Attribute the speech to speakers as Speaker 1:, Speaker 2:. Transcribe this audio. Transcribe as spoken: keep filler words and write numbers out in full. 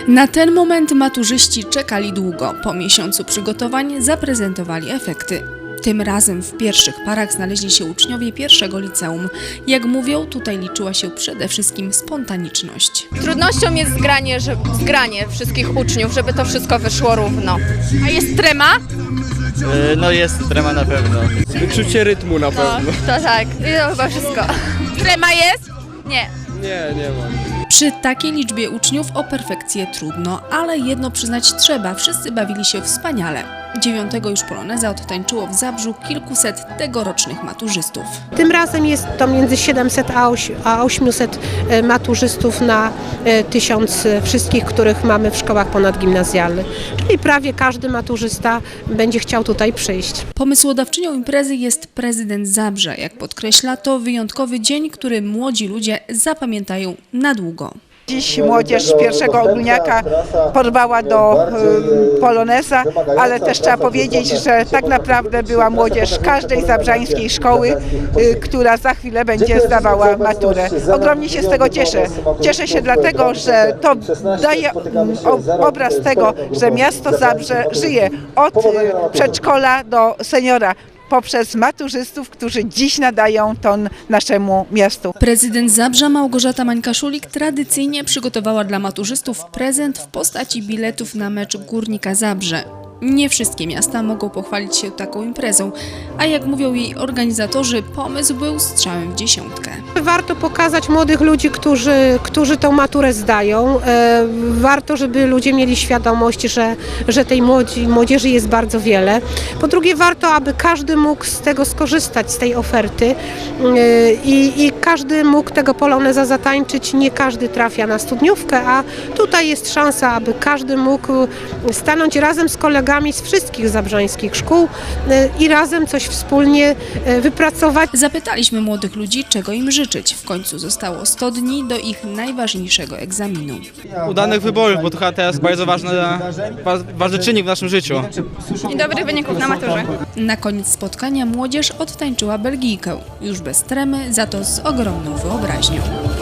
Speaker 1: Na ten moment maturzyści czekali długo. Po miesiącu przygotowań zaprezentowali efekty. Tym razem w pierwszych parach znaleźli się uczniowie pierwszego liceum. Jak mówią, tutaj liczyła się przede wszystkim spontaniczność.
Speaker 2: Trudnością jest zgranie, że, zgranie wszystkich uczniów, żeby to wszystko wyszło równo. A jest trema?
Speaker 3: Yy, No jest trema na pewno.
Speaker 4: Wyczucie rytmu na
Speaker 2: No,
Speaker 4: pewno.
Speaker 2: to tak. I to chyba wszystko. Trema jest? Nie.
Speaker 4: Nie, nie mam.
Speaker 1: Przy takiej liczbie uczniów o perfekcję trudno, ale jedno przyznać trzeba, wszyscy bawili się wspaniale. Dziewiątego już poloneza odtańczyło w Zabrzu kilkuset tegorocznych maturzystów.
Speaker 5: Tym razem jest to między siedemset a osiemset maturzystów na tysiąc wszystkich, których mamy w szkołach ponadgimnazjalnych. Czyli prawie każdy maturzysta będzie chciał tutaj przyjść.
Speaker 1: Pomysłodawczynią imprezy jest prezydent Zabrza. Jak podkreśla, to wyjątkowy dzień, który młodzi ludzie zapamiętają na długo.
Speaker 6: Dziś młodzież pierwszego ogólniaka porwała do y, poloneza, ale też trzeba powiedzieć, że tak naprawdę była młodzież każdej zabrzańskiej szkoły, y, która za chwilę będzie zdawała maturę. Ogromnie się z tego cieszę. Cieszę się dlatego, że to daje y, o, obraz tego, że miasto Zabrze żyje od y, przedszkola do seniora, poprzez maturzystów, którzy dziś nadają ton naszemu miastu.
Speaker 1: Prezydent Zabrza Małgorzata Mańka-Szulik tradycyjnie przygotowała dla maturzystów prezent w postaci biletów na mecz Górnika Zabrze. Nie wszystkie miasta mogą pochwalić się taką imprezą, a jak mówią jej organizatorzy, pomysł był strzałem w dziesiątkę.
Speaker 5: Warto pokazać młodych ludzi, którzy, którzy tą maturę zdają. E, warto, żeby ludzie mieli świadomość, że, że tej młodzi, młodzieży jest bardzo wiele. Po drugie, warto, aby każdy mógł z tego skorzystać, z tej oferty e, i, i każdy mógł tego poloneza zatańczyć. Nie każdy trafia na studniówkę, a tutaj jest szansa, aby każdy mógł stanąć razem z kolegami z wszystkich zabrzańskich szkół e, i razem coś wspólnie e, wypracować.
Speaker 1: Zapytaliśmy młodych ludzi, czego im życzyć. W końcu zostało sto dni do ich najważniejszego egzaminu.
Speaker 3: Udanych wyborów, bo to chyba teraz bardzo ważny, ważny czynnik w naszym życiu.
Speaker 2: I dobrych wyników na maturze.
Speaker 1: Na koniec spotkania młodzież odtańczyła Belgijkę. Już bez tremy, za to z ogromną wyobraźnią.